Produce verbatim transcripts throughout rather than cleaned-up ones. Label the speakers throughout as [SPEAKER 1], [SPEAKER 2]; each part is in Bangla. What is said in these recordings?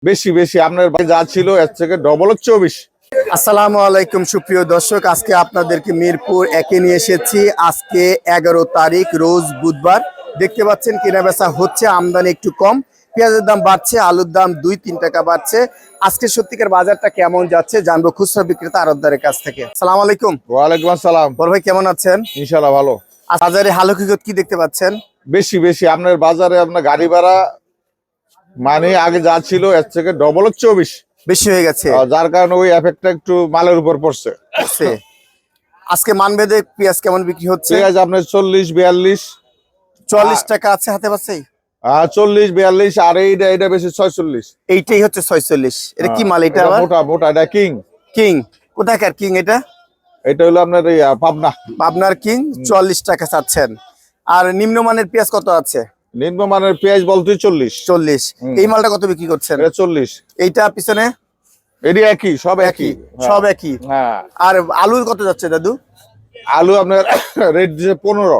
[SPEAKER 1] বেশি বেশি আপনার যা ছিল এর থেকে ডবল হচ্ছে বেশি।
[SPEAKER 2] আসসালামু আলাইকুম সুপ্রিয় দর্শক, আজকে আপনাদেরকে মিরপুর একে নিয়ে এসেছি। আজকে এগারো তারিখ রোজ বুধবার। দেখতে পাচ্ছেন কেনাবেচা হচ্ছে, আমদানি একটু কম, পেঁয়াজের দাম বাড়ছে, আলুর দাম দুই তিন টাকা বাড়ছে। আজকে সত্যিকার বাজারটা কেমন যাচ্ছে জানবো খুচরা বিক্রেতা আড়তদারের কাছ থেকে। আসসালামু আলাইকুম।
[SPEAKER 1] ওয়ালাইকুম আসসালাম।
[SPEAKER 2] বড় ভাই কেমন আছেন?
[SPEAKER 1] ইনশাআল্লাহ ভালো।
[SPEAKER 2] বাজারে হালো কিকত কি দেখতে পাচ্ছেন?
[SPEAKER 1] বেশি বেশি আপনার বাজারে আপনার গাড়ি ভাড়া মানে আগে যা ছিল এর থেকে ডবল হচ্ছে বেশি
[SPEAKER 2] বেশি হয়ে গেছে,
[SPEAKER 1] যার কারণে ওই এফেক্টটা একটু মালের উপর পড়ছে।
[SPEAKER 2] আজকে মানবেদে পেঁয়াজ কেমন বিক্রি হচ্ছে?
[SPEAKER 1] পেঁয়াজ আপনার চল্লিশ বিয়াল্লিশ
[SPEAKER 2] চল্লিশ টাকা আছে হাতে পাচ্ছেই,
[SPEAKER 1] আহ চল্লিশ বিয়াল্লিশ আর এইটা এটা বেশি ছয়চল্লিশ।
[SPEAKER 2] এইটাই হচ্ছে ছয়চল্লিশ। এটা কি মাল? এটা
[SPEAKER 1] মোটা মোটা এটা কিং।
[SPEAKER 2] কিং কোথাকার কিং? এটা
[SPEAKER 1] এটা হলো আপনার এই পাবনা
[SPEAKER 2] পাবনার কিং। চল্লিশ টাকা চাচ্ছেন। আর নিম্নমানের পেঁয়াজ কত আছে?
[SPEAKER 1] নিম্নমানের পেঁয়াজ বলতে চল্লিশ।
[SPEAKER 2] চল্লিশ। এই মালটা কত বিক্রি করছেন?
[SPEAKER 1] এটা চল্লিশ।
[SPEAKER 2] এইটা পিছনে
[SPEAKER 1] এটি একই, সব একই,
[SPEAKER 2] সব একই।
[SPEAKER 1] হ্যাঁ।
[SPEAKER 2] আর আলু কত যাচ্ছে দাদু?
[SPEAKER 1] আলু আপনার রেট দিচ্ছে পনেরো,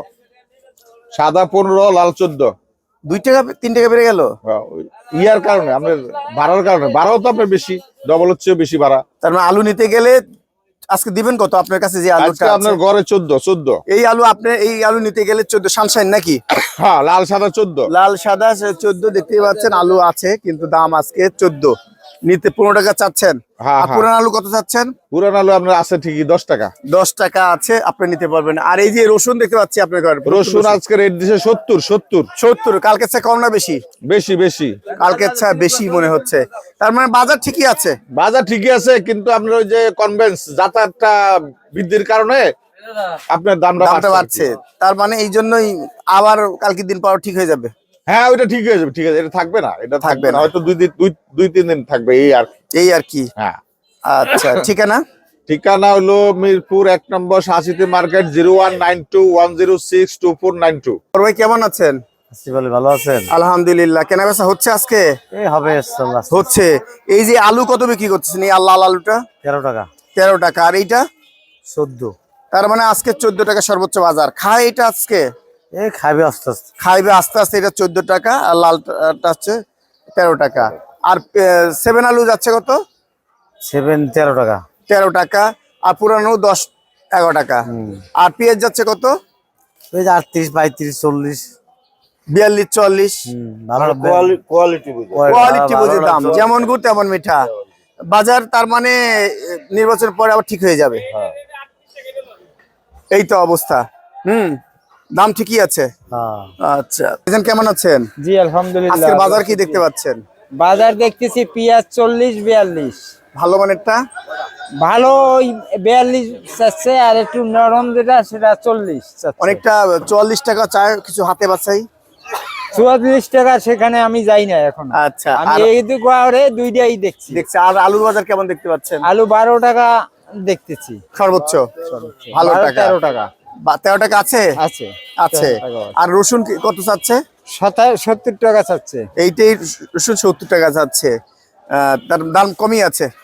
[SPEAKER 1] সাদা পনেরো, লাল চোদ্দ।
[SPEAKER 2] দুই টাকা তিন টাকা বেড়ে গেল
[SPEAKER 1] ইয়ার কারণে আপনার ভাড়ার কারণে। ভাড়াও তো আপনার বেশি, ডবল হচ্ছে বেশি ভাড়া।
[SPEAKER 2] তার মানে আলু নিতে গেলে আজকে দিবেন কত আপনার কাছে? যে আলুটা
[SPEAKER 1] আপনার ঘরে চোদ্দ চোদ্দ
[SPEAKER 2] এই আলু, আপনি এই আলু নিতে গেলে চোদ্দ সানশাইন নাকি?
[SPEAKER 1] হ্যাঁ, লাল সাদা চোদ্দ।
[SPEAKER 2] লাল সাদা চোদ্দ দেখতেই পাচ্ছেন। আলু আছে কিন্তু দাম আজকে চোদ্দ। নিতে পনেরো টাকা চাচ্ছেন। আর পুরান আলু কত চাচ্ছেন?
[SPEAKER 1] পুরান আলু আপনার আছে ঠিকই দশ টাকা।
[SPEAKER 2] দশ টাকা আছে, আপনি নিতে পারবেন। আর এই যে রসুন দেখতে পাচ্ছি আপনার ঘরে,
[SPEAKER 1] রসুন আজকে রেট দিছে সত্তর সত্তর
[SPEAKER 2] সত্তর। কালকে চেয়ে কম না বেশি?
[SPEAKER 1] বেশি বেশি।
[SPEAKER 2] কালকে চেয়ে বেশি মনে হচ্ছে। তার মানে বাজার ঠিকই আছে।
[SPEAKER 1] বাজার ঠিকই আছে, কিন্তু আপনার ওই যে কনভেন্স যাতায়াতটা বৃদ্ধির কারণে আপনার দামটা
[SPEAKER 2] বাড়ছে। তার মানে এই জন্যই আবার কালকে দিন পর ঠিক হয়ে যাবে।
[SPEAKER 1] হ্যাঁ, ওইটা ঠিক হয়ে যাবে। ঠিক আছে, এটা থাকবে না, এটা থাকবে না, হয়তো দুই দিন দুই দুই তিন দিন থাকবে, এই আর
[SPEAKER 2] এই আর কি।
[SPEAKER 1] হ্যাঁ,
[SPEAKER 2] আচ্ছা। ঠিকানা?
[SPEAKER 1] ঠিকানা হলো মিরপুর এক নম্বর শাহসিতি market, zero one nine two one zero six two four nine two.
[SPEAKER 2] ভাই কেমন আছেন?
[SPEAKER 3] ভালো আছেন?
[SPEAKER 2] আলহামদুলিল্লাহ। কেনা বেচা হচ্ছে আজকে?
[SPEAKER 3] এই হবে
[SPEAKER 2] হচ্ছে। এই যে আলু কত বিক্রি করতেছেন? এই লাল আলুটা
[SPEAKER 3] তেরো টাকা।
[SPEAKER 2] তেরো টাকা। আর এইটা
[SPEAKER 3] চোদ্দ।
[SPEAKER 2] তার মানে আজকে চোদ্দ টাকা সর্বোচ্চ বাজার। খায় এটা আজকে?
[SPEAKER 3] এই খাইবে আস্তে আস্তে,
[SPEAKER 2] খাইবে আস্তে আস্তে। এটা চোদ্দ টাকা আর লালটা হচ্ছে তেরো টাকা। আর সেভেন আলু যাচ্ছে কত?
[SPEAKER 3] সেভেন তেরো টাকা।
[SPEAKER 2] তেরো টাকা। আর পুরানো দশ এগারো টাকা। আর পেঁয়াজ যাচ্ছে কত?
[SPEAKER 3] পেঁয়াজ আটত্রিশ পঁয়ত্রিশ চল্লিশ
[SPEAKER 2] বিয়াল্লিশ চল্লিশ।
[SPEAKER 1] কোয়ালিটি
[SPEAKER 2] কোয়ালিটি বুঝে দাম, যেমন গুড় তেমন মিঠা বাজার। তার মানে নির্বাচন পরে আবার ঠিক হয়ে যাবে। এই তো অবস্থা। হুম, দাম ঠিকই আছে। আচ্ছা, কেমন আছেন?
[SPEAKER 4] জি আলহামদুলিল্লাহ।
[SPEAKER 2] আজকের বাজার কি দেখতে পাচ্ছেন?
[SPEAKER 4] বাজার দেখতেছি পেঁয়াজ চল্লিশ বিয়াল্লিশ।
[SPEAKER 2] ভালো মানেরটা
[SPEAKER 4] ভালো ওই বিয়াল্লিশ চাচ্ছে, আর একটু নরম যেটা সেটা চল্লিশ।
[SPEAKER 2] অনেকটা চুয়াল্লিশ টাকা চায় কিছু হাতে বাছাই।
[SPEAKER 4] চুয়াল্লিশ টাকা সেখানে আমি যাই না এখন।
[SPEAKER 2] আচ্ছা,
[SPEAKER 4] আমি এই দুই দুইটাই দেখছি দেখছি
[SPEAKER 2] আর আলুর বাজার কেমন দেখতে পাচ্ছেন?
[SPEAKER 4] আলু বারো টাকা দেখতেছি
[SPEAKER 2] সর্বোচ্চ। ভালো টাকা
[SPEAKER 4] তেরো টাকা।
[SPEAKER 2] তেরো টাকা আছে
[SPEAKER 4] আছে
[SPEAKER 2] আছে। আর রসুন কত চাচ্ছে?
[SPEAKER 4] সত্তর টাকা চাচ্ছে।
[SPEAKER 2] এইটাই রসুন সত্তর টাকা চাচ্ছে। তার দাম কমই আছে।